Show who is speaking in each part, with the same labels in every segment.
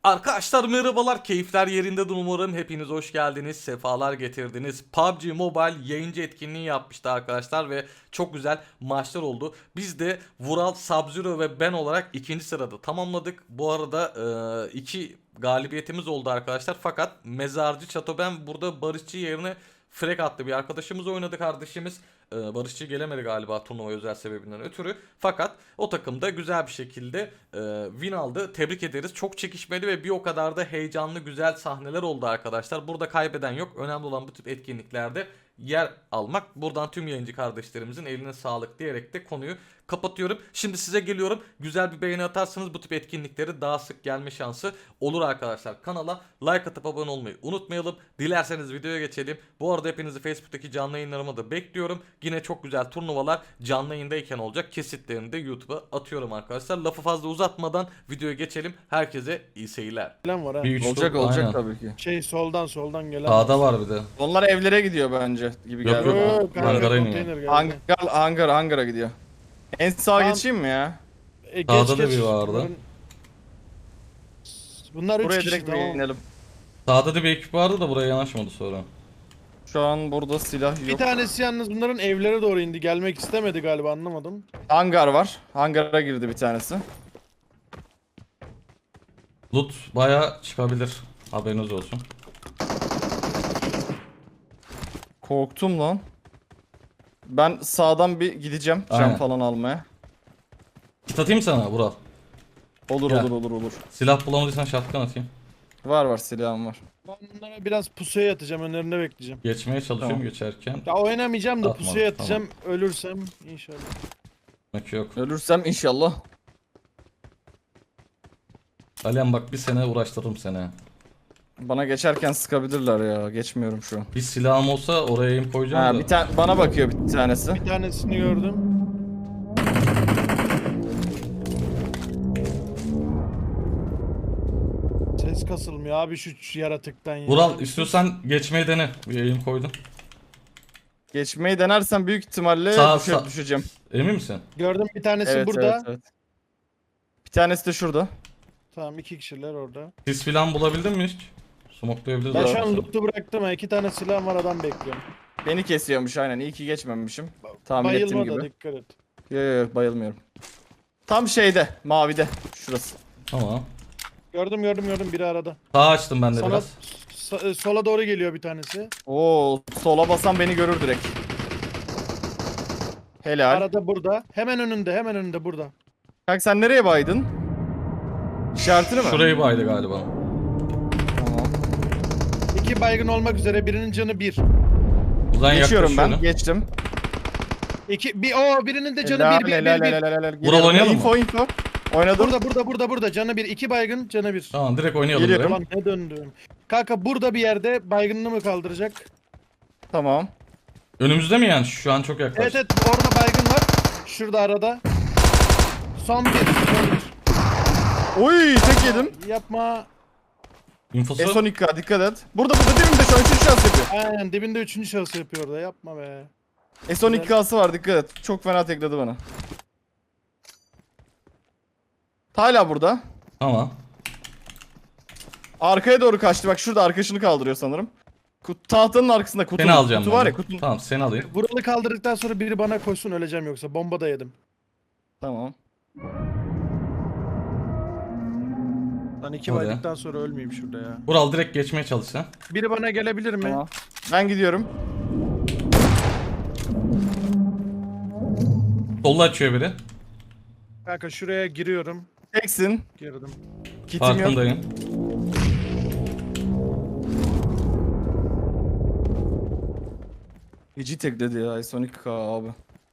Speaker 1: Arkadaşlar merhabalar, keyifler yerindedir umarım. Hepiniz hoş geldiniz, sefalar getirdiniz. PUBG Mobile yayıncı etkinliği yapmıştı arkadaşlar ve çok güzel maçlar oldu. Biz de Vural, Sub-Zero ve ben olarak ikinci sırada tamamladık. Bu arada iki galibiyetimiz oldu arkadaşlar. Fakat Mezarcı Çatoben burada Barışçı yerine Frek attı bir arkadaşımız oynadı kardeşimiz. Barışçı gelemedi galiba turnuva özel sebebinden ötürü. Fakat o takım da güzel bir şekilde win aldı. Tebrik ederiz. Çok çekişmeli ve bir o kadar da heyecanlı güzel sahneler oldu arkadaşlar. Burada kaybeden yok. Önemli olan bu tip etkinliklerde yer almak. Buradan tüm yayıncı kardeşlerimizin eline sağlık diyerek de konuyu kapatıyorum. Şimdi size geliyorum. Güzel bir beğeni atarsanız bu tip etkinlikleri daha sık gelme şansı olur arkadaşlar. Kanala like atıp abone olmayı unutmayalım. Dilerseniz videoya geçelim. Bu arada hepinizi Facebook'taki canlı yayınlarıma da bekliyorum. Yine çok güzel turnuvalar canlı yayındayken olacak. Kesitlerini de YouTube'a atıyorum arkadaşlar. Lafı fazla uzatmadan videoya geçelim. Herkese iyi seyirler.
Speaker 2: Gelen var ha.
Speaker 1: Bir
Speaker 3: Olacak
Speaker 1: aynen.
Speaker 3: tabii ki.
Speaker 2: Soldan gelen.
Speaker 1: Sağda var bir de.
Speaker 3: Onlar evlere gidiyor bence gibi
Speaker 1: Yok,
Speaker 3: geldi.
Speaker 1: yok. Hangara iniyor.
Speaker 2: konteyner geldi.
Speaker 3: Hangara gidiyor. En sağa
Speaker 2: Tamam.
Speaker 3: geçeyim mi ya?
Speaker 2: Geç,
Speaker 1: Sağda da
Speaker 2: geç.
Speaker 1: bir vardı.
Speaker 2: Bunlar 3
Speaker 3: Buraya
Speaker 2: kişi
Speaker 3: direkt
Speaker 2: tamam.
Speaker 3: inelim.
Speaker 1: Sağda da bir ekip vardı da buraya yanaşmadı sonra.
Speaker 3: Şu an burada silah
Speaker 2: Bir
Speaker 3: yok.
Speaker 2: tanesi yalnız bunların evlere doğru indi. Gelmek istemedi galiba, anlamadım.
Speaker 3: Hangar var. Hangara girdi bir tanesi.
Speaker 1: Loot baya çıkabilir. Haberiniz olsun.
Speaker 3: Korktum lan. Ben sağdan bir gideceğim
Speaker 1: Aynen.
Speaker 3: cam falan almaya.
Speaker 1: Kit atayım sana Vural.
Speaker 3: Olur
Speaker 1: Gel.
Speaker 3: olur.
Speaker 1: Silah bulamadıysan shotgun atayım.
Speaker 3: Var silahım var.
Speaker 2: Ben bunlara biraz pusuya yatacağım, önlerine bekleyeceğim.
Speaker 1: Geçmeye çalışıyorum
Speaker 3: Tamam.
Speaker 1: geçerken.
Speaker 2: Ya oynamayacağım da
Speaker 1: Atma,
Speaker 2: pusuya yatacağım. Ölürsem inşallah.
Speaker 1: Demek yok.
Speaker 3: Ölürsem inşallah.
Speaker 1: Alihan bak bir sene uğraştırırım seni.
Speaker 3: Bana geçerken sıkabilirler ya. Geçmiyorum şu an.
Speaker 1: Bir silahım olsa oraya aim koyacağım
Speaker 3: Ha,
Speaker 1: da.
Speaker 3: bir tane bana bakıyor bir tanesi.
Speaker 2: Bir tanesini gördüm. Ses kasılmıyor abi şu yaratıktan ya.
Speaker 1: Vural istiyorsan geçmeyi dene. Bir aim koydum.
Speaker 3: Geçmeyi denersem büyük ihtimalle
Speaker 1: Sağ.
Speaker 3: düşeceğim.
Speaker 1: Emin misin?
Speaker 2: Gördüm, bir tanesi
Speaker 3: Evet,
Speaker 2: burada.
Speaker 3: evet. Bir tanesi de şurada.
Speaker 2: Tamam, 2 kişiler orada.
Speaker 1: Sis filan bulabildin mi hiç? Smoklayabiliriz.
Speaker 2: Ben şu
Speaker 1: abi
Speaker 2: an
Speaker 1: seni.
Speaker 2: loot'u bıraktım ha. 2 tane silahım var, adam bekliyorum.
Speaker 3: Beni kesiyormuş aynen. İyi ki geçmemişim. Tahmin ettiğim
Speaker 2: Bayılma da
Speaker 3: gibi.
Speaker 2: dikkat et.
Speaker 3: Yok bayılmıyorum. Tam şeyde, mavide. Şurası.
Speaker 1: Tamam.
Speaker 2: Gördüm biri arada.
Speaker 1: Sağ açtım ben de
Speaker 2: Sana
Speaker 1: biraz.
Speaker 2: sola doğru geliyor bir tanesi.
Speaker 3: Oo, sola basan beni görür direkt. Helal.
Speaker 2: Arada burada. Hemen önünde burada.
Speaker 3: Kanka sen nereye baydın? İşaretini mi?
Speaker 1: Şurayı baydı galiba.
Speaker 3: Tamam.
Speaker 2: 2 baygın olmak üzere, birinin canı 1.
Speaker 1: Uzan
Speaker 3: Geçiyorum ben.
Speaker 1: yaklaşıyorum.
Speaker 3: Geçtim.
Speaker 2: Birinin de canı
Speaker 3: Helal,
Speaker 2: 1.
Speaker 3: helal.
Speaker 1: Vural
Speaker 3: Geliyorum.
Speaker 1: oynayalım mı?
Speaker 3: Info. Oynadım.
Speaker 2: Burada canı 1. 2 baygın, canı 1.
Speaker 1: Tamam direkt oynayalım.
Speaker 3: Geliyorum.
Speaker 1: direkt.
Speaker 2: Ulan ne döndüm. Kanka burada bir yerde baygınını mı kaldıracak?
Speaker 3: Tamam.
Speaker 1: Önümüzde mi yani? Şu an çok yaklaş.
Speaker 2: Evet orada baygın var. Şurada arada. Son bir.
Speaker 3: Oy tek yedim.
Speaker 2: Yapma.
Speaker 1: İnfosu.
Speaker 3: S12K dikkat et. Burada dibimde şu an 3. şans yapıyor.
Speaker 2: Aynen dibinde 3. şahıs yapıyor orada. Yapma be.
Speaker 3: S12K'sı var dikkat et. Çok fena tekledi bana. Hala burada.
Speaker 1: Tamam.
Speaker 3: Arkaya doğru kaçtı. Bak şurada arkadaşını kaldırıyor sanırım. Tahtanın arkasında kutu.
Speaker 1: Seni alacağım
Speaker 3: kutu
Speaker 1: ben
Speaker 3: var
Speaker 1: de.
Speaker 3: ya kutu.
Speaker 1: Tamam seni alayım.
Speaker 2: Vuralı kaldırdıktan sonra biri bana koysun, öleceğim yoksa. Bomba da yedim.
Speaker 3: Tamam.
Speaker 2: Lan 2
Speaker 1: Hadi.
Speaker 2: baydıktan sonra ölmeyeyim şurada ya.
Speaker 1: Vural direkt geçmeye çalış sen.
Speaker 2: Biri bana gelebilir mi?
Speaker 3: Tamam. Ben gidiyorum.
Speaker 1: Solda açıyor biri.
Speaker 2: Kanka şuraya giriyorum.
Speaker 3: Teksin.
Speaker 2: Girdim.
Speaker 3: Kitim yok.
Speaker 1: Farkındayım.
Speaker 3: Feci tekledi ya S12K abi.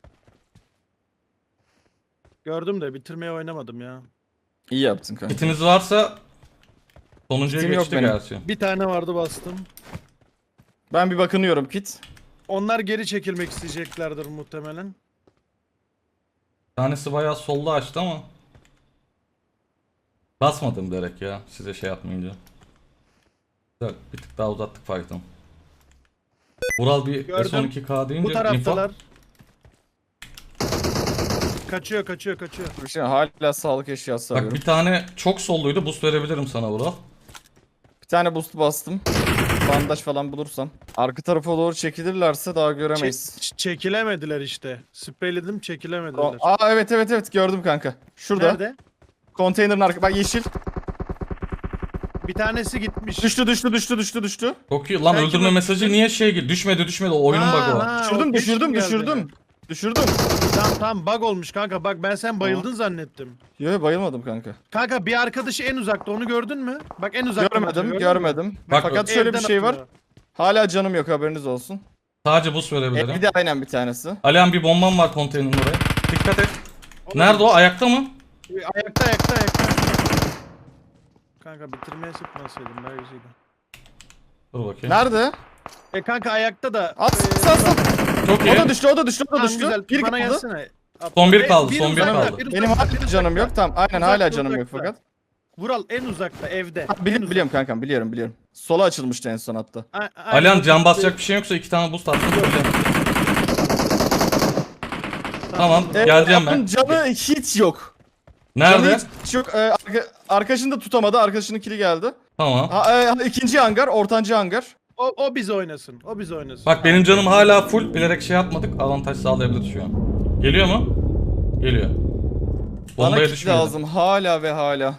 Speaker 2: Gördüm de bitirmeye oynamadım ya.
Speaker 3: İyi yaptın kanka.
Speaker 1: Kitiniz varsa sonuncuya
Speaker 3: Kitim yok
Speaker 1: geçti
Speaker 3: benim.
Speaker 1: gerçi.
Speaker 2: Bir tane vardı, bastım.
Speaker 3: Ben bir bakınıyorum kit.
Speaker 2: Onlar geri çekilmek isteyeceklerdir muhtemelen.
Speaker 1: Bir tanesi bayağı solda açtı ama. Basmadım direkt ya size şey yapmayınca. Güzel, bir tık daha uzattık fight'ı. Vural bir
Speaker 2: Gördüm.
Speaker 1: S12K deyince
Speaker 2: Bu taraftalar. kaçıyor.
Speaker 3: Bir şey hala sağlık eşyası
Speaker 1: Bak
Speaker 3: arıyorum.
Speaker 1: bir tane çok solluydu. Boost verebilirim sana Vural.
Speaker 3: Bir tane boost bastım. Bandaj falan bulursam. Arka tarafa doğru çekilirlerse daha göremeyiz.
Speaker 2: Çekilemediler işte. Spreyledim çekilemediler.
Speaker 3: Aa evet gördüm kanka. Şurada.
Speaker 2: Nerede?
Speaker 3: Konteynerin arka. Bak yeşil.
Speaker 2: Bir tanesi gitmiş.
Speaker 3: Düştü.
Speaker 1: Çok iyi. Lan
Speaker 2: Sen
Speaker 1: öldürme
Speaker 2: kime-
Speaker 1: mesajı niye düşmedi. O oyunun bug'ı var.
Speaker 3: Düşürdüm.
Speaker 2: Tamam bug olmuş kanka. Bak ben sen bayıldın zannettim.
Speaker 3: Yo bayılmadım kanka.
Speaker 2: Kanka bir arkadaşı en uzakta, onu gördün mü? Bak en uzakta. atıyor, gördün mü?
Speaker 3: Görmedim.
Speaker 1: Bak,
Speaker 3: Fakat şöyle bir
Speaker 2: Evden
Speaker 3: şey var.
Speaker 2: atıyor.
Speaker 3: Hala canım yok, haberiniz olsun.
Speaker 1: Sadece boost verebilirim.
Speaker 3: Bir de aynen bir tanesi.
Speaker 1: Alihan bir bombam var konteynerin oraya. Dikkat et.
Speaker 2: Oğlum,
Speaker 1: Nerede o? Ayakta mı?
Speaker 2: Ayakta. Kanka bitirmeye sıkmasaydım daha güzeldi.
Speaker 1: Dur bakayım.
Speaker 3: Nerede?
Speaker 2: Kanka ayakta da.
Speaker 3: At.
Speaker 1: Çok
Speaker 3: O
Speaker 1: iyi.
Speaker 3: da düştü.
Speaker 2: Tamam,
Speaker 3: düştü.
Speaker 2: güzel.
Speaker 3: Bir
Speaker 2: Bana
Speaker 3: kaldı.
Speaker 2: gelsene.
Speaker 1: Son bir kaldı,
Speaker 2: Bir
Speaker 1: son bir
Speaker 2: uzakta,
Speaker 1: kaldı.
Speaker 2: bir
Speaker 3: Benim
Speaker 2: uzakta,
Speaker 3: hala
Speaker 2: bir
Speaker 3: canım yok.
Speaker 2: uzakta.
Speaker 3: Tamam aynen
Speaker 2: Uzakta,
Speaker 3: hala canım yok
Speaker 2: uzakta.
Speaker 3: fakat.
Speaker 2: Vural en uzakta evde.
Speaker 3: Biliyorum kankam biliyorum. Sola açılmıştı en son hatta.
Speaker 1: Alihan can basacak bir şey yoksa 2 tane boost attım. Tamam geleceğim ben.
Speaker 3: Onun canı hiç yok.
Speaker 1: Nerede?
Speaker 3: Canı hiç yok. Arkadaşını da tutamadı. Arkadaşının kili geldi.
Speaker 1: Tamam.
Speaker 3: İkinci hangar, ortancı hangar.
Speaker 2: O bizi oynasın.
Speaker 1: Bak benim canım hala full, bilerek şey yapmadık. Avantaj sağlayabilir şu an. Geliyor mu? Geliyor.
Speaker 3: Bana
Speaker 1: Bombaya
Speaker 3: kit
Speaker 1: düşmedi.
Speaker 3: lazım hala ve hala.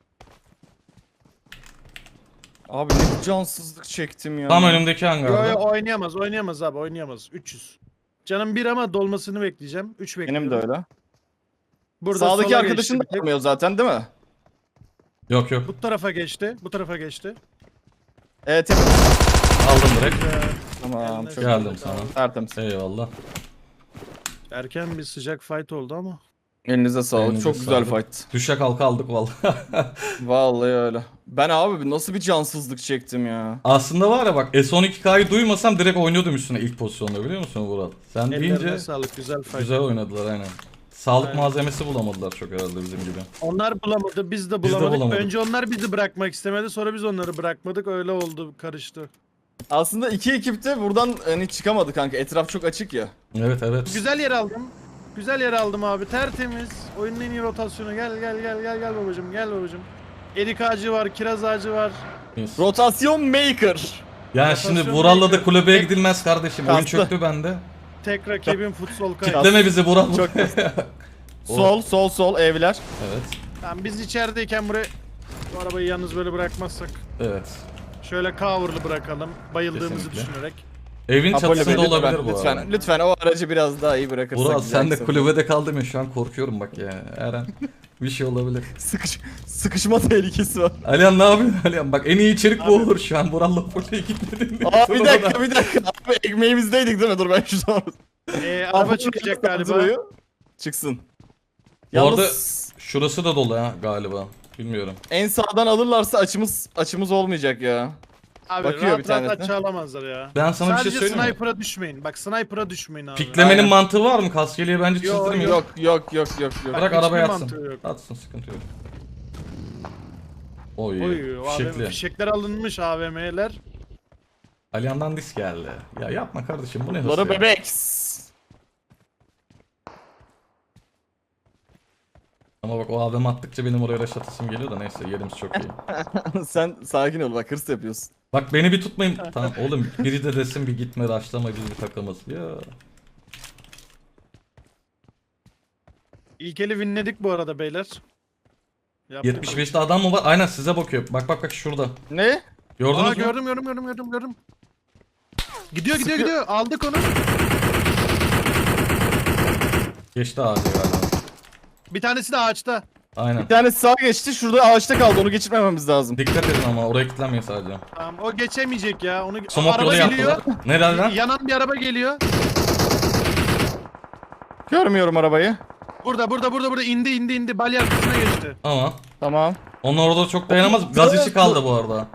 Speaker 3: Abi ne cansızlık çektim ya.
Speaker 1: Tam önümdeki
Speaker 2: Yo
Speaker 1: hangarda.
Speaker 2: oynayamaz abi oynayamaz. 300. Canım bir ama dolmasını bekleyeceğim. 3 bekliyorum.
Speaker 3: Benim de öyle.
Speaker 2: Burada
Speaker 3: Sağdaki
Speaker 2: sola
Speaker 3: arkadaşın da
Speaker 2: geçti.
Speaker 3: olmuyor zaten değil mi?
Speaker 1: Yok.
Speaker 2: Bu tarafa geçti.
Speaker 3: Evet.
Speaker 1: Aldım direkt.
Speaker 3: Tamam çok
Speaker 1: Geldim sana.
Speaker 3: tertemiz.
Speaker 1: Eyvallah.
Speaker 2: Erken bir sıcak fight oldu ama.
Speaker 3: Elinize sağlık.
Speaker 1: Elinize
Speaker 3: çok güzel
Speaker 1: sağlık.
Speaker 3: fight.
Speaker 1: Düşe kalka aldık vallahi.
Speaker 3: Vallahi öyle. Ben abi nasıl bir cansızlık çektim ya.
Speaker 1: Aslında var ya bak, S12K'yı duymasam direkt oynuyordum üstüne ilk pozisyonda, biliyor musun Vural? Sen
Speaker 2: Ellerine
Speaker 1: deyince
Speaker 2: sağlık, güzel fight.
Speaker 1: güzel oynadılar aynen. Sağlık
Speaker 2: Aynen.
Speaker 1: malzemesi bulamadılar çok herhalde bizim gibi.
Speaker 2: Onlar bulamadı, biz de
Speaker 1: Biz de
Speaker 2: bulamadık.
Speaker 1: bulamadık.
Speaker 2: Önce onlar bizi bırakmak istemedi, sonra biz onları bırakmadık. Öyle oldu, karıştı.
Speaker 3: Aslında iki ekip de buradan hani çıkamadı kanka. Etraf çok açık ya.
Speaker 1: Evet.
Speaker 2: Güzel yer aldım abi, tertemiz. Oyunun en iyi rotasyonu. Gel babacım, gel babacım. Erik ağacı var, kiraz ağacı var.
Speaker 3: Rotasyon maker.
Speaker 1: Yani şimdi
Speaker 2: Rotasyon
Speaker 1: Vural'la da
Speaker 2: maker.
Speaker 1: kulübeye gidilmez kardeşim. Oyun
Speaker 3: Kastı.
Speaker 1: çöktü bende.
Speaker 2: Tek rakibim futsal kayıt.
Speaker 1: Kitleme bizi Vural.
Speaker 3: Çok sol evler.
Speaker 1: Evet.
Speaker 2: Tamam, biz içerideyken buraya bu arabayı yalnız böyle bırakmazsak.
Speaker 1: Evet.
Speaker 2: Şöyle cover'lı bırakalım, bayıldığımızı
Speaker 1: Kesinlikle.
Speaker 2: düşünerek.
Speaker 1: Evin
Speaker 3: Apollo Bey,
Speaker 1: çatısında olabilir bu
Speaker 3: lütfen,
Speaker 1: arada.
Speaker 3: lütfen o aracı biraz daha iyi bırakırsak.
Speaker 1: Vural
Speaker 3: güzel
Speaker 1: sen de
Speaker 3: kısa.
Speaker 1: kulübede kaldın ya, şu an korkuyorum bak ya. Her an bir şey olabilir.
Speaker 3: Sıkışma tehlikesi var.
Speaker 1: Alihan ne yapıyorsun Alihan? Bak en iyi içerik bu olur şu an. Vural'la full'e gitmedin.
Speaker 3: Aa bir dakika. Abi ekmeğimizdeydik değil mi? Dur ben şu zaman.
Speaker 2: Araba çıkacak galiba.
Speaker 3: Çıksın.
Speaker 1: Bu arada
Speaker 3: Yalnız
Speaker 1: şurası da dolu ha galiba. Bilmiyorum.
Speaker 3: en sağdan alırlarsa açımız olmayacak ya.
Speaker 2: Abi
Speaker 3: Bakıyor
Speaker 2: rahat
Speaker 3: bir tanesine.
Speaker 2: rahat açılamazlar ya.
Speaker 1: Ben sana bir şey
Speaker 2: Sadece
Speaker 1: söyleyeyim mi?
Speaker 2: sniper'a düşmeyin. Bak sniper'a düşmeyin abi.
Speaker 1: Piklemenin
Speaker 3: Aynen.
Speaker 1: mantığı var mı? Kaskeliye bence
Speaker 2: Yo,
Speaker 1: çizdirmiyor.
Speaker 3: Yok.
Speaker 1: Bırak
Speaker 2: Hiçbir
Speaker 1: arabaya
Speaker 2: mantığı
Speaker 1: atsın.
Speaker 2: yok.
Speaker 1: Atsın, sıkıntı yok. Oy,
Speaker 2: Oy,
Speaker 1: fişekli.
Speaker 2: fişekler alınmış AVM'ler.
Speaker 1: Alihan'dan disk geldi. Ya yapma kardeşim, bu ne hırs
Speaker 3: Lara
Speaker 1: ya?
Speaker 3: bebek.
Speaker 1: Ama bak o AVM attıkça benim oraya rush atasım geliyor da neyse, yerimiz çok iyi.
Speaker 3: Sen sakin ol bak, hırs yapıyorsun.
Speaker 1: Bak beni bir tutmayın. Tamam oğlum, biri de desin bir gitme rushlama, biz bir takımız. Ya.
Speaker 2: İlk eli winledik bu arada beyler. Yaptık.
Speaker 1: 75'te adam mı var? Aynen size bakıyor. Bak şurada.
Speaker 3: Ne?
Speaker 1: Gördünüz
Speaker 2: Aa,
Speaker 1: mü?
Speaker 2: gördüm. Gidiyor. Aldık onu.
Speaker 1: Geçti ağacı galiba.
Speaker 2: Bir tanesi de ağaçta.
Speaker 1: Aynen.
Speaker 3: Bir tanesi sağa geçti, şurada ağaçta kaldı, onu geçirmememiz lazım.
Speaker 1: Dikkat edin ama oraya kilitlenmeyin sadece.
Speaker 2: Tamam, o geçemeyecek ya. Onu
Speaker 1: Smoke
Speaker 2: araba
Speaker 1: yolu
Speaker 2: geliyor.
Speaker 1: yaptılar. Nereden lan?
Speaker 2: Yanan bir araba geliyor.
Speaker 3: Görmüyorum arabayı.
Speaker 2: Burada indi. Balya arkasına geçti.
Speaker 1: Ama
Speaker 3: Tamam.
Speaker 1: onlar orada çok dayanamaz. Gaz içi kaldı bu arada.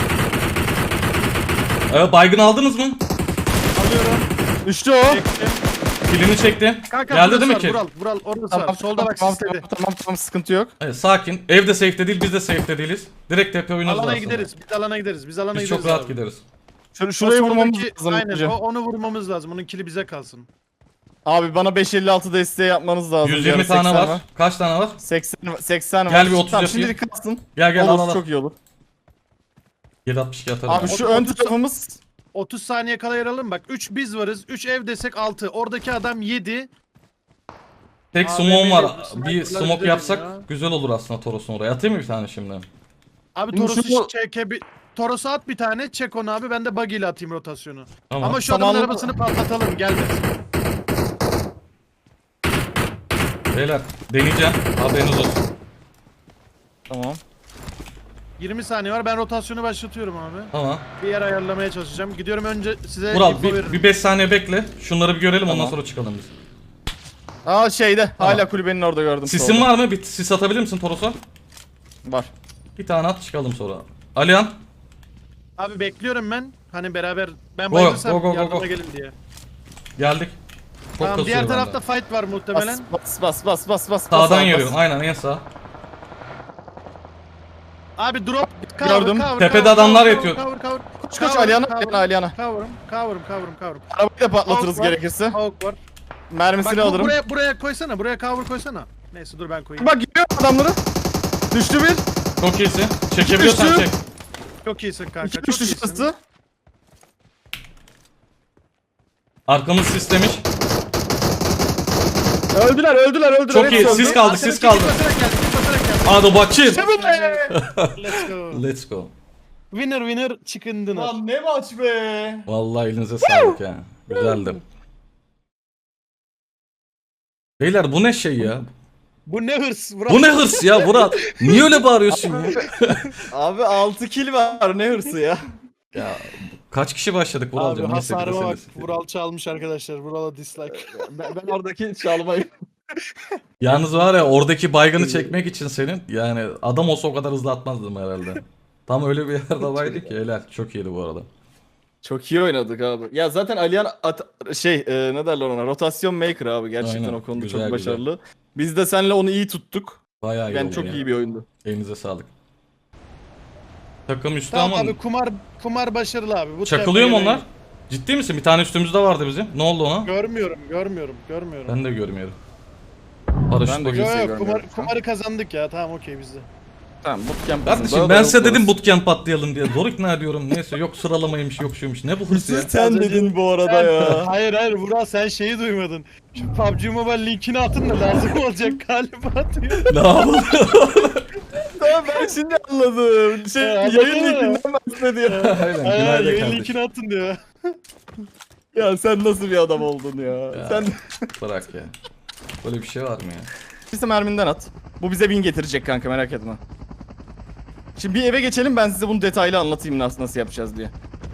Speaker 1: Baygın aldınız mı?
Speaker 2: Alıyorum.
Speaker 3: Düştü o.
Speaker 2: Çektim.
Speaker 1: Kilini çekti.
Speaker 2: Kanka
Speaker 1: Geldi
Speaker 2: burası
Speaker 1: değil mi
Speaker 2: var,
Speaker 1: ki?
Speaker 2: Vural orası var. Solda bak
Speaker 3: tamam,
Speaker 2: sisledi.
Speaker 3: tamam, sıkıntı yok.
Speaker 1: Evet, sakin. Evde safe'de değil, biz de safe'de değiliz. Direkt tepe oyunumuz
Speaker 2: Alana
Speaker 1: aslında.
Speaker 2: gideriz. Biz alana gideriz.
Speaker 1: Biz çok rahat
Speaker 2: abi.
Speaker 1: gideriz.
Speaker 3: Şurayı
Speaker 2: O
Speaker 3: vurmamız
Speaker 2: soldaki-
Speaker 3: lazım.
Speaker 2: Aynen
Speaker 3: önce.
Speaker 2: onu vurmamız lazım. Onun kili bize kalsın.
Speaker 3: Abi bana 556 desteği yapmanız lazım.
Speaker 1: 120
Speaker 3: Yani
Speaker 1: tane
Speaker 3: 80
Speaker 1: var. Kaç tane var?
Speaker 3: 80 var.
Speaker 1: Gel bir 30
Speaker 3: tamam,
Speaker 1: yapayım.
Speaker 3: şimdilik kalsın.
Speaker 1: Gel gel
Speaker 3: Olur,
Speaker 1: al al.
Speaker 3: çok iyi olur.
Speaker 1: 762 atarım.
Speaker 3: Abi
Speaker 1: ben.
Speaker 3: şu ön tarafımız
Speaker 2: 30 saniye kala yer alalım bak. 3 biz varız. 3 ev desek 6. Oradaki adam 7.
Speaker 1: Tek
Speaker 2: Abi,
Speaker 1: smoke'um var.
Speaker 2: benim
Speaker 1: Bir
Speaker 2: sniper'lar
Speaker 1: smoke
Speaker 2: güzel
Speaker 1: yapsak
Speaker 2: ya.
Speaker 1: güzel olur aslında Toros'un oraya. Atayım mı bir tane şimdi?
Speaker 2: Abi
Speaker 3: Şimdi
Speaker 2: Toros'u
Speaker 3: şunu-
Speaker 2: Toros'u at bir tane. Çek onu abi. Ben de buggy ile atayım rotasyonu.
Speaker 1: Tamam.
Speaker 2: Ama şu adamın
Speaker 3: Zamanlı-
Speaker 2: arabasını patlatalım. Gelmesin.
Speaker 1: Beyler deneyeceğim. Haberiniz olsun.
Speaker 3: tamam.
Speaker 2: 20 saniye var. Ben rotasyonu başlatıyorum abi.
Speaker 1: Tamam.
Speaker 2: Bir yer ayarlamaya çalışacağım. Gidiyorum önce size
Speaker 1: Vural
Speaker 2: info veririm.
Speaker 1: bir 5 saniye bekle. Şunları bir görelim ondan
Speaker 3: Tamam.
Speaker 1: sonra çıkalım biz.
Speaker 3: Aa şeyde
Speaker 1: Tamam.
Speaker 3: hala kulübenin orada gördüm.
Speaker 1: Sisin
Speaker 3: solda.
Speaker 1: var mı? Bir sis atabilir misin Toros'a?
Speaker 3: Var.
Speaker 1: Bir tane at çıkalım sonra. Alihan.
Speaker 2: Abi bekliyorum ben. Hani beraber ben
Speaker 1: Go,
Speaker 2: bayılırsam
Speaker 1: go, go, go,
Speaker 2: yardıma
Speaker 1: go.
Speaker 2: gelin diye.
Speaker 1: Geldik. Çok
Speaker 2: Tamam
Speaker 1: kasıyor
Speaker 2: diğer
Speaker 1: bende.
Speaker 2: tarafta fight var muhtemelen.
Speaker 3: Bas.
Speaker 1: Sağdan
Speaker 3: bas.
Speaker 1: yürüyorum. Aynen en sağ.
Speaker 2: Abi drop
Speaker 3: Gördüm.
Speaker 1: Tepede adamlar yatıyor.
Speaker 2: Cover.
Speaker 3: Koş Aliyan'a.
Speaker 2: Cover'ım.
Speaker 3: Arabayı da patlatırız
Speaker 2: Hawk var.
Speaker 3: gerekirse.
Speaker 2: Hawk var.
Speaker 3: Mermisini
Speaker 2: Bak
Speaker 3: alırım.
Speaker 2: buraya koysana. Buraya cover koysana. Neyse dur ben koyayım.
Speaker 3: Bak gidiyor adamları. Düştü bir.
Speaker 1: Çok iyisin. Çekebiliyorsan
Speaker 3: Düştü.
Speaker 1: çek.
Speaker 2: Çok iyisin kanka.
Speaker 3: İki
Speaker 2: çok
Speaker 3: düştü
Speaker 2: iyisin.
Speaker 3: şurası.
Speaker 1: Arkamız sislemiş.
Speaker 3: Öldüler.
Speaker 1: Çok iyi.
Speaker 3: Hepsi
Speaker 1: Siz
Speaker 3: öldü.
Speaker 1: kaldı, siz kaldı.
Speaker 2: Basarak geldi.
Speaker 1: Hadi bakayım.
Speaker 3: İşte bu be.
Speaker 2: Let's go.
Speaker 1: Let's go.
Speaker 2: Winner chicken dinner.
Speaker 3: Lan ne maç be.
Speaker 1: Vallahi elinize sağlık ya. Güzeldi. Beyler bu ne şey ya?
Speaker 2: Bu ne hırs?
Speaker 1: Bu ne hırs ya Murat? Niye öyle bağırıyorsun ya?
Speaker 3: Abi 6 kill var ne hırsı ya.
Speaker 1: Ya kaç kişi başladık
Speaker 2: Abi
Speaker 1: Vural'cığım? Neyse bir de
Speaker 2: hasarıma
Speaker 1: sen
Speaker 2: bak.
Speaker 1: de siktir.
Speaker 2: Vural çalmış arkadaşlar. Vural'a dislike.
Speaker 3: Ben oradaki çalmayı.
Speaker 1: Yalnız var ya oradaki baygını çekmek için senin yani adam olsa o kadar hızlı atmazdım herhalde. Tam öyle bir yerde vardı ki helal. Çok iyiydi bu arada.
Speaker 3: Çok iyi oynadık abi. Ya zaten Aliyan ne derler ona, rotasyon maker abi, gerçekten
Speaker 1: Aynen,
Speaker 3: o konuda
Speaker 1: güzel,
Speaker 3: çok
Speaker 1: güzel.
Speaker 3: başarılı. Biz de seninle onu iyi tuttuk.
Speaker 1: Bayağı iyi
Speaker 3: Ben
Speaker 1: oldu
Speaker 3: çok
Speaker 1: ya.
Speaker 3: iyi bir oyundu.
Speaker 1: Elinize sağlık. Takım üstü
Speaker 2: Tamam
Speaker 1: ama
Speaker 2: abi kumar başarılı abi. Bu
Speaker 1: çakılıyor mu
Speaker 2: tepeye
Speaker 1: onlar? Ciddi misin? Bir tane üstümüzde vardı bizim. Ne oldu ona?
Speaker 2: Görmüyorum.
Speaker 1: Ben de görmüyorum.
Speaker 3: Ben
Speaker 1: Paraşüt
Speaker 3: de
Speaker 1: bakıyor.
Speaker 3: kimseyi
Speaker 2: Yok
Speaker 3: görmüyorum.
Speaker 2: kumarı kazandık ya. Tamam okey bizde.
Speaker 3: Tamam, bootcamp
Speaker 1: Kardeşim ben size dedim bootcamp atlayalım diye. Zor ikna ediyorum. Neyse yok sıralamaymış yok şuymuş. Ne bu hırs ya?
Speaker 3: Sen dedin bu arada ya.
Speaker 2: Hayır Vural sen şeyi duymadın. Şu PUBG Mobile linkini atın da lazım olacak galiba diyor.
Speaker 1: Ne yapalım?
Speaker 3: Tamam, ben şimdi anladım.
Speaker 2: Anladın
Speaker 3: Yayın
Speaker 2: mı?
Speaker 3: linkinden bahsediyor.
Speaker 1: Aynen.
Speaker 2: Hayır
Speaker 1: Günaydın
Speaker 2: yayın
Speaker 1: kardeşim.
Speaker 2: linkini atın diyor.
Speaker 3: Ya sen nasıl bir adam oldun ya.
Speaker 1: Ya.
Speaker 3: Sen
Speaker 1: Bırak ya. Böyle bir şey var mı ya?
Speaker 3: bize merminden at. Bu bize win getirecek kanka, merak etme. Şimdi bir eve geçelim, ben size bunu detaylı anlatayım nasıl yapacağız diye.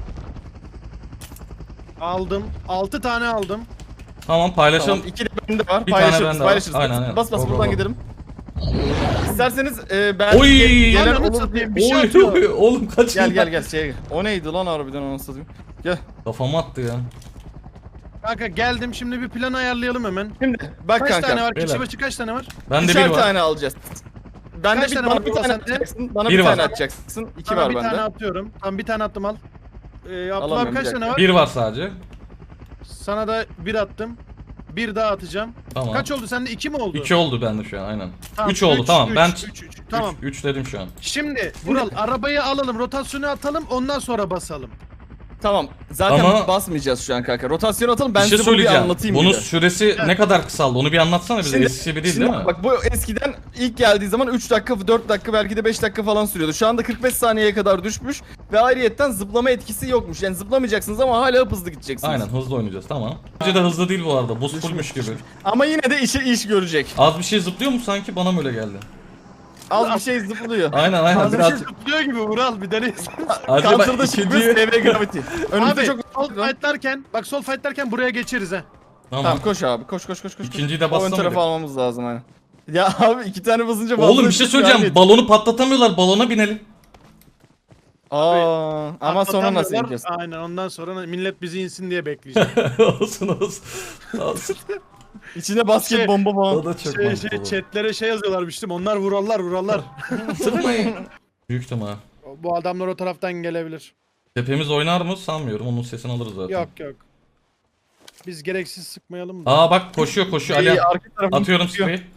Speaker 2: Aldım. 6 tane aldım.
Speaker 1: Tamam paylaşalım.
Speaker 3: Tamam, 2 de bende var.
Speaker 1: Bir tane
Speaker 3: Paylaşırız,
Speaker 1: bende var.
Speaker 3: paylaşırız.
Speaker 1: Aynen, aynen.
Speaker 3: Bas
Speaker 1: Go, go,
Speaker 3: buradan
Speaker 1: go.
Speaker 3: gidelim. İsterseniz ben
Speaker 1: Oy!
Speaker 3: gelen
Speaker 2: Ananı
Speaker 3: olur
Speaker 2: satayım,
Speaker 3: diye.
Speaker 2: bir şey
Speaker 1: Oy,
Speaker 2: atıyor.
Speaker 1: oy, oğlum kaç
Speaker 3: Gel o neydi lan harbiden, onu satayım. Gel.
Speaker 1: Kafama attı ya.
Speaker 2: Kanka geldim şimdi bir plan ayarlayalım hemen.
Speaker 3: Şimdi bak
Speaker 2: Kaç
Speaker 3: kanka.
Speaker 2: tane var? Kişi
Speaker 1: beyler.
Speaker 2: başı kaç tane var?
Speaker 1: Bende
Speaker 3: Üçer
Speaker 1: bir var.
Speaker 3: tane alacağız. Ben
Speaker 2: Kaç
Speaker 3: de
Speaker 2: tane
Speaker 3: bana
Speaker 2: var
Speaker 3: bir
Speaker 2: Vural
Speaker 3: tane
Speaker 2: sende?
Speaker 3: atacaksın. Bana
Speaker 1: Bir
Speaker 3: bir
Speaker 1: var.
Speaker 3: tane atacaksın. 2
Speaker 2: Sana
Speaker 3: var
Speaker 2: bir tane
Speaker 3: bende.
Speaker 2: atıyorum. Tamam bir tane attım al. Abdullah
Speaker 3: Alamıyorum,
Speaker 2: abi kaç
Speaker 3: bir
Speaker 2: tane
Speaker 3: dakika.
Speaker 2: var?
Speaker 1: Bir var sadece.
Speaker 2: Sana da bir attım. Bir daha atacağım.
Speaker 1: Tamam.
Speaker 2: Kaç oldu sende? 2 mi oldu?
Speaker 1: 2 oldu bende şu an aynen.
Speaker 2: Tamam,
Speaker 1: 3 oldu
Speaker 2: üç,
Speaker 1: tamam.
Speaker 2: üç,
Speaker 1: Ben
Speaker 2: üç. Tamam.
Speaker 1: 3 dedim şu an.
Speaker 2: Şimdi Vural arabayı alalım, rotasyonu atalım, ondan sonra basalım.
Speaker 3: Tamam. Zaten
Speaker 1: Ama-
Speaker 3: basmayacağız şu an kanka. Rotasyon atalım, ben
Speaker 1: bir şey
Speaker 3: size bunu bir
Speaker 1: söyleyeceğim.
Speaker 3: anlatayım
Speaker 1: Bunun
Speaker 3: bir de.
Speaker 1: süresi ne kadar kısaldı? Onu bir anlatsana bize. Eskisi gibi değil değil mi?
Speaker 3: Bak, bu eskiden ilk geldiği zaman 3 dakika, 4 dakika, belki de 5 dakika falan sürüyordu. Şu anda 45 saniyeye kadar düşmüş ve ayrıyetten zıplama etkisi yokmuş. Yani zıplamayacaksınız ama hala hızlı gideceksiniz.
Speaker 1: Aynen hızlı oynayacağız tamam. Bence de hızlı değil bu arada. Buz fullmüş gibi.
Speaker 3: Ama yine de iş görecek.
Speaker 1: Az bir şey zıplıyor mu sanki? Bana mı öyle geldi?
Speaker 3: Az bir şey zıplıyor.
Speaker 1: Aynen aynen.
Speaker 2: Hazır
Speaker 1: Biraz...
Speaker 2: şey zıplıyor gibi Vural bir deneyiz.
Speaker 1: Acaba
Speaker 3: Counter'da çıkmış
Speaker 1: ikinci...
Speaker 3: TV Gravity. Önümüzde
Speaker 2: Abi
Speaker 3: çok...
Speaker 2: sol fightlarken, bak sol fightlarken buraya geçeriz ha.
Speaker 1: Tamam.
Speaker 3: Tamam, koş abi, koş.
Speaker 1: İkinciyi de
Speaker 3: O ön
Speaker 1: bassana
Speaker 3: tarafa
Speaker 1: bir.
Speaker 3: almamız lazım hani. Ya abi 2 tane basınca fazla
Speaker 1: Oğlum bir şey söyleyeceğim.
Speaker 3: gayret.
Speaker 1: Balonu patlatamıyorlar. Balona binelim.
Speaker 3: Aa, ama sonra nasıl
Speaker 2: Atlatamıyorlar.
Speaker 3: yapacağız?
Speaker 2: Aynen ondan sonra millet bizi insin diye bekleyeceğiz.
Speaker 1: olsun. Olsun.
Speaker 3: İçine basket
Speaker 2: Şey-
Speaker 3: bomba falan.
Speaker 1: O da çok mantıklı.
Speaker 2: chatlere şey yazıyorlarmıştım. Onlar Vurallar.
Speaker 1: Sıkmayın. Büyük ihtimal.
Speaker 2: Bu adamlar o taraftan gelebilir.
Speaker 1: Tepemiz oynar mı sanmıyorum. Onun sesini alırız zaten.
Speaker 2: Yok. Biz gereksiz sıkmayalım da.
Speaker 1: Aa bak koşuyor Alihan.
Speaker 3: Arka tarafını
Speaker 1: Atıyorum
Speaker 3: tutuyor.
Speaker 1: spreyi.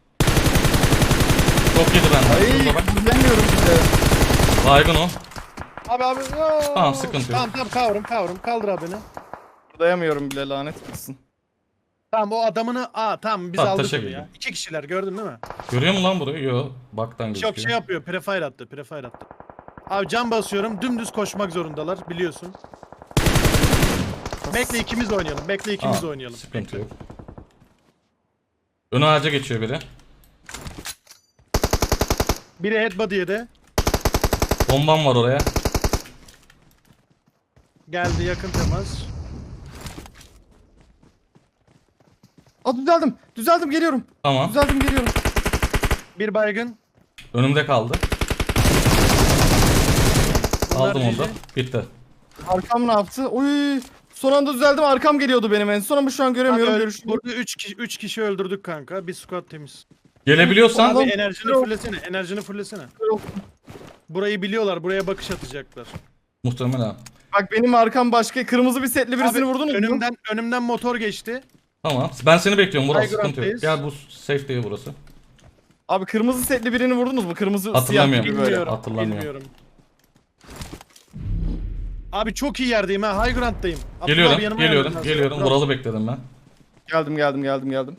Speaker 1: Çok yedi benden.
Speaker 3: Ay
Speaker 1: Şurada bak.
Speaker 3: izlemiyorum size.
Speaker 1: Baygın o.
Speaker 2: Abi. Oo.
Speaker 1: Tamam, sıkıntı yok.
Speaker 2: Tamam kavrum. Kaldır abi beni.
Speaker 3: Dayamıyorum bile lanet olsun.
Speaker 2: Tamam o adamını tamam biz
Speaker 1: Tamam,
Speaker 2: aldık
Speaker 1: taşa
Speaker 2: onu
Speaker 1: girdim.
Speaker 2: ya. 2 kişiler gördün değil mi?
Speaker 1: Görüyor musun lan burayı? Yo. Baktan gözüküyor.
Speaker 2: Çok şey yapıyor. Prefire attı. Abi cam basıyorum. Dümdüz koşmak zorundalar biliyorsun. Bekle ikimiz oynayalım. Oynayalım.
Speaker 1: Sıkıntı yok. Ön ağaca geçiyor biri.
Speaker 2: Biri headbody yedi.
Speaker 1: Bombam var oraya.
Speaker 2: Geldi yakın temas.
Speaker 3: Düzeldim geliyorum.
Speaker 1: Tamam.
Speaker 3: Düzeldim geliyorum.
Speaker 2: Bir baygın.
Speaker 1: Önümde kaldı.
Speaker 2: Bunlar
Speaker 1: Aldım onu da.
Speaker 2: GG.
Speaker 1: Bitti.
Speaker 3: Arkam ne yaptı? Oy. Son anda düzeldim, arkam geliyordu benim en son ama şu an göremiyorum.
Speaker 2: Abi,
Speaker 3: Görüşürüz.
Speaker 2: burada 3 kişi öldürdük kanka. Bir squad temiz.
Speaker 1: Gelebiliyorsan
Speaker 2: Abi
Speaker 3: Tamam.
Speaker 2: enerjini fullesene. Burayı biliyorlar. Buraya bakış atacaklar.
Speaker 1: muhtemelen.
Speaker 3: Bak benim arkam başka, kırmızı bir setli birisini
Speaker 2: Abi,
Speaker 3: vurdunuz mu?
Speaker 2: önümden motor geçti.
Speaker 1: Tamam. Ben seni bekliyorum Vural.
Speaker 2: High
Speaker 1: Sıkıntı yok.
Speaker 2: ground'dayız.
Speaker 1: Gel bu safe değil burası.
Speaker 3: Abi kırmızı setli birini vurdunuz mu? Kırmızı siyah
Speaker 1: Hatırlamıyorum.
Speaker 3: gibi böyle.
Speaker 2: Bilmiyorum.
Speaker 1: Hatırlamıyorum.
Speaker 2: Bilmiyorum. Abi çok iyi yerdeyim ha. High ground'dayım. Abdullah abi
Speaker 1: Geliyorum.
Speaker 2: yanıma gelmen lazım.
Speaker 1: Geliyorum.
Speaker 2: Bravo.
Speaker 1: Vural'ı bekledim ben.
Speaker 3: Geldim.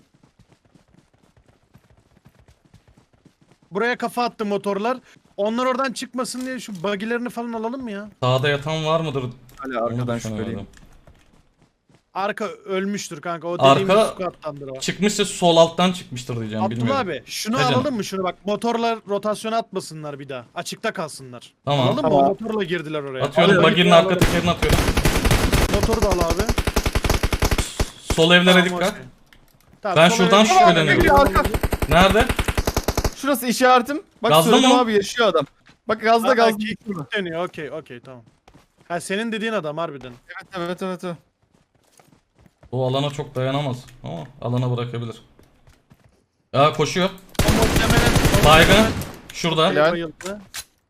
Speaker 2: Buraya kafa attı motorlar. Onlar oradan çıkmasın diye şu bagilerini falan alalım mı ya?
Speaker 1: Sağda yatan var mıdır?
Speaker 3: Hala
Speaker 1: Onu
Speaker 3: arkadan
Speaker 1: düşünüyordum.
Speaker 3: şüpheliyim.
Speaker 2: Arka ölmüştür kanka. O dediğimiz
Speaker 1: Arka-
Speaker 2: squad'tandır o.
Speaker 1: Çıkmışsa sol alttan çıkmıştır diyeceğim.
Speaker 2: Abdullah
Speaker 1: Bilmiyorum.
Speaker 2: abi şunu
Speaker 1: Ne canım?
Speaker 2: alalım mı şunu bak motorla rotasyona atmasınlar bir daha. Açıkta kalsınlar.
Speaker 1: Tamam.
Speaker 2: Alalım mı?
Speaker 3: Tamam.
Speaker 2: O motorla girdiler oraya.
Speaker 1: Atıyorum.
Speaker 3: Alıyorum,
Speaker 1: Baginin
Speaker 3: alıyorum.
Speaker 1: arka tekerini atıyorum.
Speaker 2: Motoru da al abi.
Speaker 1: Sol evlere
Speaker 2: Tamam,
Speaker 1: dikkat.
Speaker 2: okey. Tamam,
Speaker 1: Ben
Speaker 2: sol
Speaker 1: şuradan
Speaker 2: eve-
Speaker 1: şüpheleniyorum.
Speaker 3: Tamam, arka.
Speaker 1: Nerede?
Speaker 3: Şurası işaretim. Bak
Speaker 1: Gazda
Speaker 3: söyledim
Speaker 1: mı?
Speaker 3: abi, yaşıyor adam. Bak gazda
Speaker 2: Ha,
Speaker 3: gazda.
Speaker 2: kick dönüyor. Okey tamam. Ha senin dediğin adam harbiden.
Speaker 3: Evet.
Speaker 1: O alana çok dayanamaz. Ama alana bırakabilir. Ya koşuyor.
Speaker 2: O muhtemelen
Speaker 1: Baygın. Şurada.
Speaker 3: Helal.
Speaker 2: bayıldı.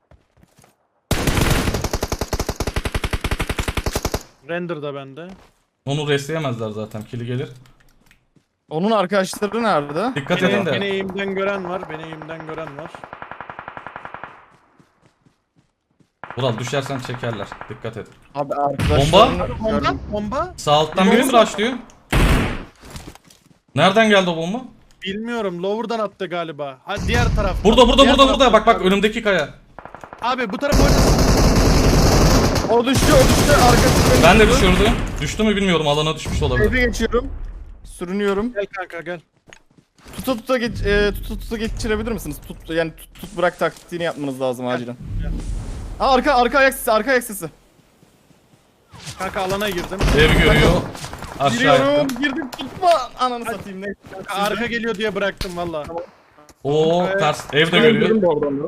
Speaker 2: Render da bende.
Speaker 1: Onu restleyemezler zaten. Kili gelir.
Speaker 3: Onun arkadaşları nerede?
Speaker 1: Dikkat
Speaker 2: Beni
Speaker 1: edin de.
Speaker 2: eğimden gören var.
Speaker 1: Vural düşersen çekerler. Dikkat et.
Speaker 3: Abi arkadaşlarını
Speaker 2: Bomba?
Speaker 1: Sağ alttan biri mi rushlıyor? Nereden geldi o bomba?
Speaker 2: Bilmiyorum. Lower'dan attı galiba. Ha diğer taraf.
Speaker 1: Burada. Bak önümdeki kaya.
Speaker 2: Abi bu taraf oynasın.
Speaker 3: O düştü. Arkası beni
Speaker 1: Ben de
Speaker 3: vurdu.
Speaker 1: düşürdüm. Düştü mü bilmiyorum. Alana düşmüş olabilir.
Speaker 3: Evi geçiyorum. Sürünüyorum.
Speaker 2: Gel kanka gel.
Speaker 3: Tuta geçirebilir misiniz? Yani tut bırak taktiğini yapmanız lazım acilen.
Speaker 2: gel.
Speaker 3: Aa, arka ayak sesi.
Speaker 2: Kanka alana girdim.
Speaker 1: Ev görüyor. Aşağı
Speaker 3: Giriyorum,
Speaker 1: yattı.
Speaker 3: girdim, tutma. Ananı satayım ne?
Speaker 2: Kanka arka geliyor diye bıraktım valla.
Speaker 1: Oo ters. Ev de görüyor.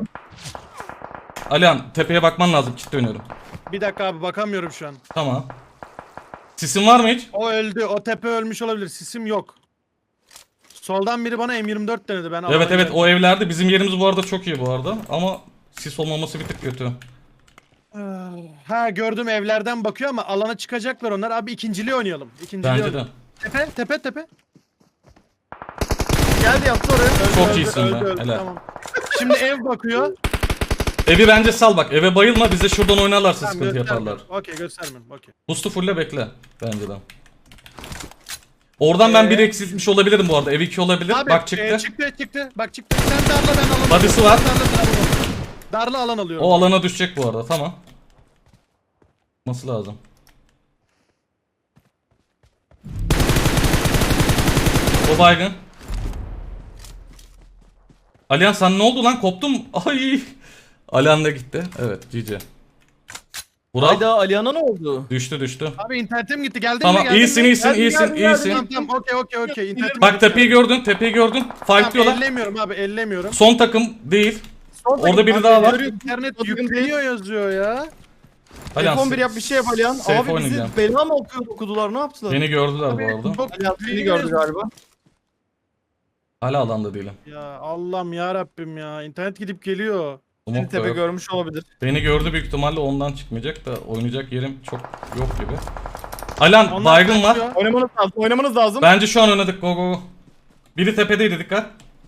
Speaker 1: Alihan tepeye bakman lazım. Kit dönüyorum.
Speaker 2: Bir dakika abi bakamıyorum şu an.
Speaker 1: Tamam. Sisin var mı hiç?
Speaker 2: O öldü. O tepe ölmüş olabilir. Sisim yok. Soldan biri bana M24 denedi. Ben
Speaker 1: Evet
Speaker 2: alana
Speaker 1: o evlerde. Bizim yerimiz bu arada çok iyi bu arada. Ama sis olmaması bir tık kötü.
Speaker 2: geldim. Ha gördüm evlerden bakıyor ama alana çıkacaklar onlar. Abi ikinciliği oynayalım.
Speaker 1: Bence de.
Speaker 2: Tepe.
Speaker 3: Geldi yattı oraya.
Speaker 1: Çok iyisin be, helal.
Speaker 2: Tamam. Şimdi ev bakıyor.
Speaker 1: Evi bence sal bak. Eve bayılma. Bize şuradan oynarlarsa
Speaker 2: Tamam,
Speaker 1: sıkıntı yaparlar.
Speaker 2: Okey göstermem. Okey.
Speaker 1: Boost'u fulle bekle. Bence de. Oradan ben bir eksiltmiş olabilirim bu arada. Ev 2 olabilir.
Speaker 2: Abi,
Speaker 1: Bak çıktı.
Speaker 2: çıktı. Bak çıktı. Sen darla ben alan
Speaker 1: Body'si var.
Speaker 2: Darla alan alıyorum.
Speaker 1: O alana düşecek bu arada. Tamam. Nasıl lazım? O baygın. Alihan sen ne oldu lan? Koptum. Ay. Alihan da gitti. Evet GG. Vural
Speaker 3: Hayda, Alihan'a ne oldu?
Speaker 1: düştü.
Speaker 2: Abi internetim gitti. Geldin
Speaker 1: Tamam
Speaker 2: mi? Geldin
Speaker 1: iyisin
Speaker 2: mi?
Speaker 1: iyisin.
Speaker 2: Tamam okey. İnternetim
Speaker 1: Bak
Speaker 2: gitti.
Speaker 1: tepeyi gördün. Fightlıyorlar.
Speaker 2: Ellemiyorum abi ellemiyorum.
Speaker 1: Son takım değil. Orada biri daha var.
Speaker 2: İnternet
Speaker 3: Bakın
Speaker 2: yükleniyor yazıyor ya.
Speaker 1: Alihan
Speaker 3: F11 yap, bir şey yap Alihan.
Speaker 1: safe
Speaker 3: Abi bizi
Speaker 1: oynayacağım.
Speaker 3: bela mı okudular, ne yaptılar?
Speaker 1: Beni gördüler bu
Speaker 2: Abi,
Speaker 1: arada.
Speaker 2: çok
Speaker 3: Alihan seni
Speaker 2: yükleniyor
Speaker 3: gördü
Speaker 2: yazıyor.
Speaker 3: galiba.
Speaker 1: Hala alanda değilim.
Speaker 2: Ya Allah'ım ya Rabbim ya. İnternet gidip geliyor.
Speaker 3: Seni
Speaker 1: Umut da
Speaker 3: tepe
Speaker 1: yok.
Speaker 3: görmüş olabilir.
Speaker 1: Beni gördü büyük ihtimalle ondan çıkmayacak da oynayacak yerim çok yok gibi. Alan
Speaker 2: Onlar
Speaker 1: baygın var.
Speaker 2: kaçıyor.
Speaker 3: Oynamanız lazım.
Speaker 1: Bence şu an oynadık. Go go go. Biri tepedeydi, dikkat.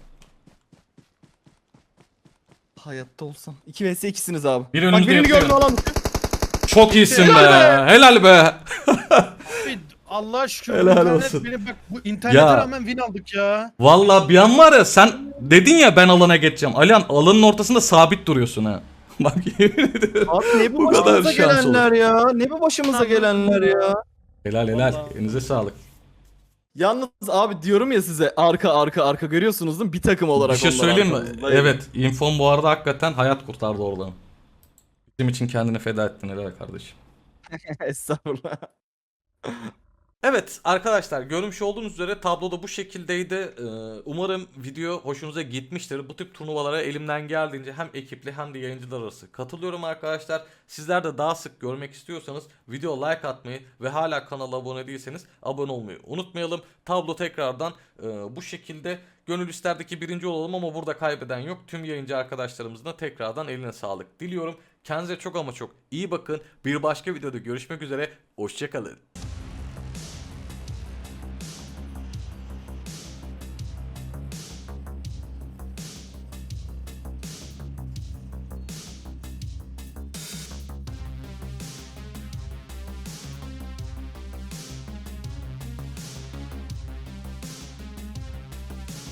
Speaker 3: Hayatta olsam. 2 vs 2'siniz abi.
Speaker 1: Biri
Speaker 3: Bak
Speaker 1: önümüzde
Speaker 3: birini
Speaker 1: yapıyor.
Speaker 3: gördüm alan.
Speaker 1: Çok iyisin be.
Speaker 2: Helal
Speaker 1: Helal be.
Speaker 2: Abi, Allah'a şükür.
Speaker 1: Helal
Speaker 2: internet
Speaker 1: olsun.
Speaker 2: beni bak bu internete
Speaker 1: Ya.
Speaker 2: rağmen win aldık ya.
Speaker 1: Vallahi bir an var ya, sen dedin ya ben alana geçeceğim. Alihan alanın ortasında sabit duruyorsun ha. Bak yemin ederim.
Speaker 3: Abi ne bu
Speaker 1: Bu kadar
Speaker 3: başımıza
Speaker 1: şans
Speaker 3: gelenler ya? Ne bu başımıza gelenler ya?
Speaker 1: Helal helal.
Speaker 2: Vallahi.
Speaker 1: Elinize sağlık.
Speaker 3: Yalnız abi diyorum ya size arka görüyorsunuz değil mi? Bir takım olarak
Speaker 1: Bir şey
Speaker 3: onlar
Speaker 1: söyleyeyim mi?
Speaker 3: arkamızda.
Speaker 1: Evet. Infom bu arada hakikaten hayat kurtardı oradan. Bizim için kendini feda ettin helal kardeşim.
Speaker 3: Estağfurullah.
Speaker 1: Evet arkadaşlar, görmüş olduğunuz üzere tabloda bu şekildeydi. Umarım video hoşunuza gitmiştir. Bu tip turnuvalara elimden geldiğince hem ekipli hem de yayıncılar arası katılıyorum arkadaşlar. Sizler de daha sık görmek istiyorsanız video like atmayı ve hala kanala abone değilseniz abone olmayı unutmayalım. Tablo tekrardan bu şekilde. Gönül isterdeki birinci olalım ama burada kaybeden yok. Tüm yayıncı arkadaşlarımızın da tekrardan eline sağlık diliyorum. Kendinize çok ama çok iyi bakın. Bir başka videoda görüşmek üzere. Hoşçakalın.